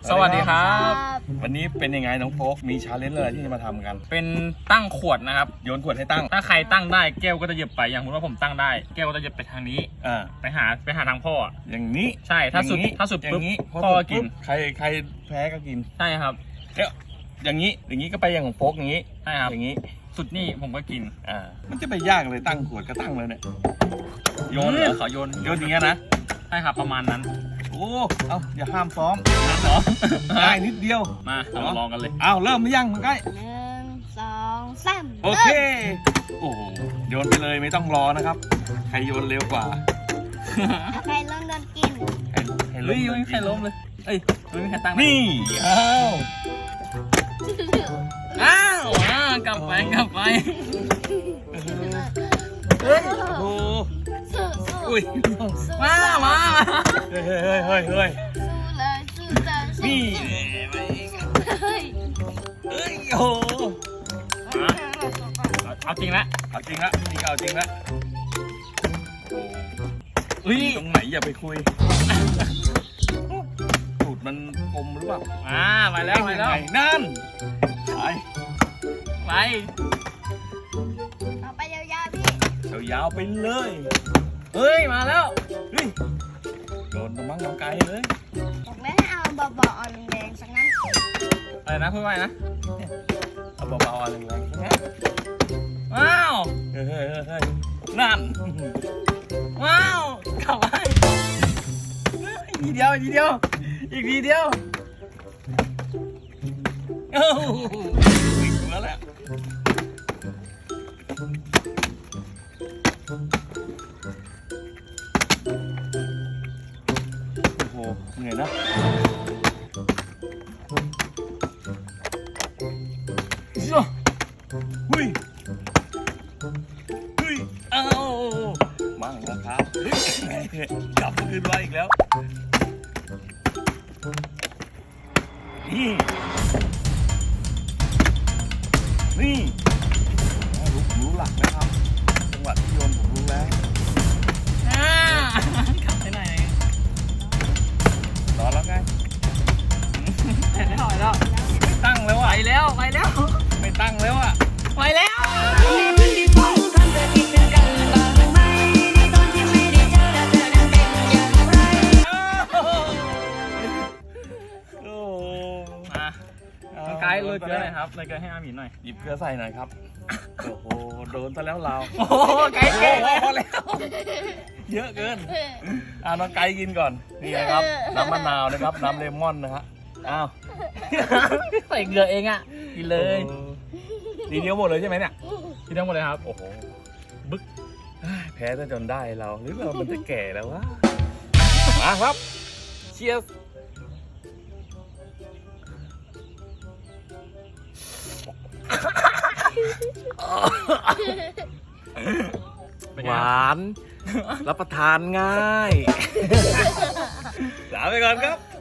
สวัสดีครับวันนี้เป็นยังไงน้องโฟกมีชาเลนจ์อะไรที่จะมาทำกันเป็นตั้งขวดนะครับโยนขวดให้ตั้งถ้าใครตั้งได้แก้วก็จะเหยียบไปอย่างสมมติว่าผมตั้งได้แก้วก็จะเหยียบไปทางนี้ ไปหาทางพ่ออย่างนี้ใช่ถ้าสุดปุ๊บพ่อก็กินใครแพ้ก็กินใช่ครับแล้วอย่างนี้ก็ไปอย่างของโฟกอย่างนี้ใช่ครับอย่างนี้สุดนี่ผมก็กินมันจะไปยากเลยตั้งขวดก็ตั้งเลยเนี่ยโยนเหรอขอโยนโยนอย่างเงี้ยนะใช่ครับประมาณนั้นโอ้เอาอย่าห้ามซ้อมนั่นเหรอง่ายนิดเดียวมาเราลองกันเลยเอาเริ่มหรือยังมันใกล้ 1 2 3 โอเคโอ้โหโยนไปเลยไม่ต้องรอนะครับใครโยนเร็วกว่าใครเริ่มโดนกินใครเฮ้ยไม่มีใครล้มเลยเอ้ยไม่มีใครตั้งนี่อ้าวกลับไปเฮ้ยโอ้สู้อุ้ยสู้มาเฮ้ยสู้เลยสู้เลยนี่เฮ้ยเอ้ยโอ้เอาจริงละเอาจริงละนี่ก็เอาจริงละเฮ้ยตรงไหนอย่าไปคุยตูดมันกลมหรือเปล่าไปแล้วนั่นไปไปเอาไปยาวๆพี่ยาวๆไปเลยเฮ้ยมาแล้วเฮ้ยโดนตะมั่งน้องไกลเลยบอกแล้วให้เอาเบาๆเอาแรงๆสักนั้นอะไรนะพูดไว้นะเอาเบาๆอะไรแรงๆนะว้าวเฮ้ยนั่นว้าวกลับไปอีกทีเดียวอีกทีเดียวเอ้าวิ่งมาแล้วโอ้โหเหนื่อยนะหุ้ยเอ้ามั่งนะครับกลับคืนมาอีกแล้วนี่รู้หลักนะครับจังหวะที่โยนผมรู้แล้วกลับไปไหนรอแล้วไงไม่แล้วไม่ตั้งแล้วอ่ะไปแล้วไม่ตั้งแล้วอ่ะไปแล้วโอ้มาน้องไกด์เลยเกลือหน่อยครับเลยเกลือให้อาหมีหน่อยหยิบเกลือใส่หน่อยครับโอ้โหโดนซะแล้วเราโอ้โหไกด์เก่งพอแล้วเยอะเกินน้องไก่กินก่อนนี่นะครับน้ำมะนาวนะครับน้ำเลมอนนะฮะอ้าวใส่เกลือเองอ่ะกินเลยทีเดียวหมดเลยใช่ไหมเนี่ยกินทั้งหมดเลยครับโอ้โหบึ๊กแพ้ซะจนได้เราหรือเรามันจะแก่แล้ววะมาครับเชียร์ หวานรับประทานง่ายลาไปก่อนครับ